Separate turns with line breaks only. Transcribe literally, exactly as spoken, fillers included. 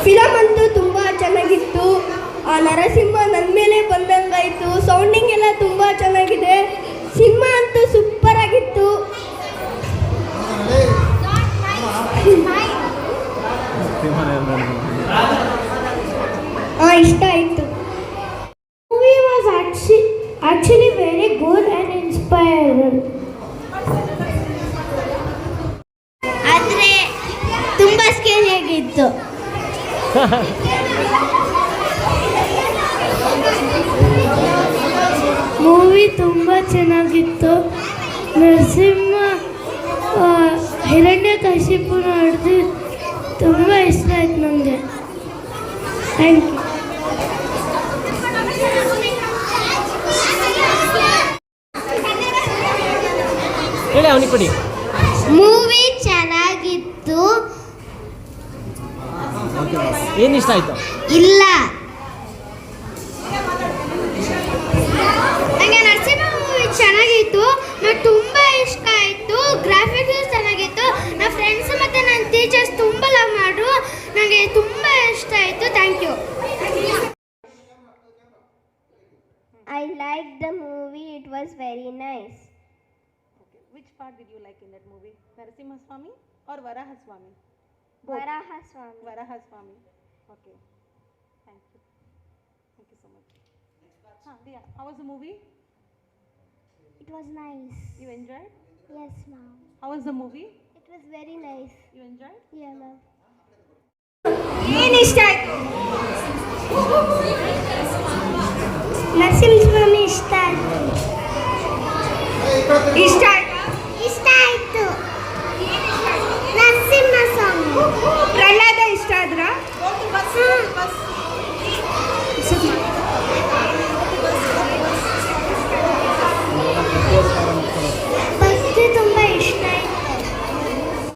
Film ಅಂತೂ ತುಂಬ ಚೆನ್ನಾಗಿತ್ತು. ಆ ನರಸಿಂಹ ನನ್ನ ಮೇಲೆ ಬಂದಂಗಾಯಿತು. ಸೌಂಡಿಂಗ್ ಎಲ್ಲ ತುಂಬ ಚೆನ್ನಾಗಿದೆ. ಸಿನಿಮಾ ಅಂತೂ ಸೂಪರ್ ಆಗಿತ್ತು. ಹಾಂ, ಇಷ್ಟ ಆಯಿತು.
Movie was actually very good and inspiring.
ಆದರೆ ತುಂಬ ಸ್ಕೇರಿಯಾಗಿತ್ತು.
ಮೂವಿ ತುಂಬ ಚೆನ್ನಾಗಿತ್ತು. ನರಸಿಂಹ ಹಿರಣ್ಯಕಶಿಪುನ ಹಿಡಿದು ತುಂಬ ಇಷ್ಟ ಆಯ್ತು ನನಗೆ. Thank you.
ಹೇಳಿ ಅವನಿಗೆ ಕೊಡಿ.
ಮೂವಿ ಚೆನ್ನಾಗಿತ್ತು.
ಏನು ಇಷ್ಟ ಆಯ್ತು?
ಇಲ್ಲ, ನನಗೆ ನರಸಿಂಹ ಮೂವಿ ಚೆನ್ನಾಗಿತ್ತು. ನನಗೆ ತುಂಬ ಇಷ್ಟ ಆಯಿತು. ಗ್ರಾಫಿಕ್ಸ್ ಚೆನ್ನಾಗಿತ್ತು. ನನ್ನ ಫ್ರೆಂಡ್ಸ್ ಮತ್ತು ನನ್ನ ಟೀಚರ್ಸ್ ತುಂಬ ಲವ್ ಮಾಡು. ನನಗೆ ತುಂಬ ಇಷ್ಟ ಆಯಿತು. Thank you. I like the movie. It was very nice.
Which part did you like in that movie? Narasimha Swami or Varaha Swami?
Varaha Swami.
Varaha Swami. Okay. Thank you. Thank you so much. Huh, Diya, how was the movie?
It was nice.
You enjoyed?
Yes, ma'am.
How was the movie?
It was very nice.
You enjoyed?
Yeah, ma'am.
ಏನು ಇಷ್ಟ ಆಯ್ತು? ನರಸಿಂಹ ಸ್ವಾಮಿ ಇಷ್ಟ ಆಯ್ತು. ಇಷ್ಟ